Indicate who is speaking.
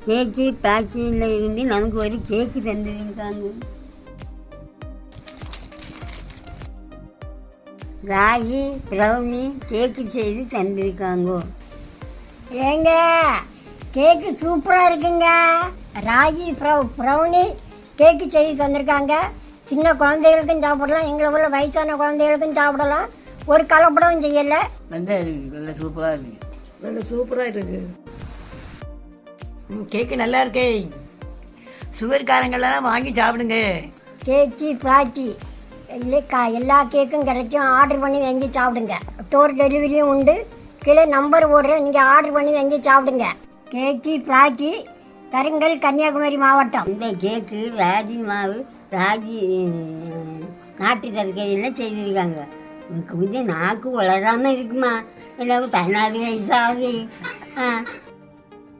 Speaker 1: கேக்கு பேக்கிங்கில் இருந்து நமக்கு ஒரு கேக்கு தந்துருக்காங்க. ராகி ப்ரௌனி கேக்கு செய்து தந்திருக்காங்க.
Speaker 2: ஏங்க கேக்கு சூப்பராக இருக்குங்க. ராகி ப்ரௌனி கேக்கு செய்து தந்திருக்காங்க. சின்ன குழந்தைகளுக்கும் சாப்பிடலாம், எங்களை உள்ள வயசான குழந்தைகளுக்கும் சாப்பிடலாம். ஒரு கலப்படமும் செய்யலை.
Speaker 1: நல்லா இருக்குது, நல்லா சூப்பராக இருக்குது.
Speaker 3: நல்ல சூப்பராக இருக்குது. கேக்கு நல்லா இருக்கே. சுகர்காரங்கள்லாம் வாங்கி சாப்பிடுங்க.
Speaker 2: கேக்கு பிளாச்சி இல்லை எல்லா கேக்கும் கிடைக்கும். ஆர்டர் பண்ணி வாங்கி சாப்பிடுங்க. டோர் டெலிவரியும் உண்டு. கீழே நம்பர் ஓடுறேன், நீங்கள் ஆர்டர் பண்ணி வாங்கி சாப்பிடுங்க. கேக்கு பிளாச்சி, கருங்கல், கன்னியாகுமரி மாவட்டம்.
Speaker 1: இந்த கேக்கு ராகி மாவு, ராகி நாட்டு சர்க்கரையெல்லாம் செய்திருக்காங்க. எனக்கு கொஞ்சம் நாக்கு வளராமல் இருக்குமா, எல்லாம் 16 வயசாகுது.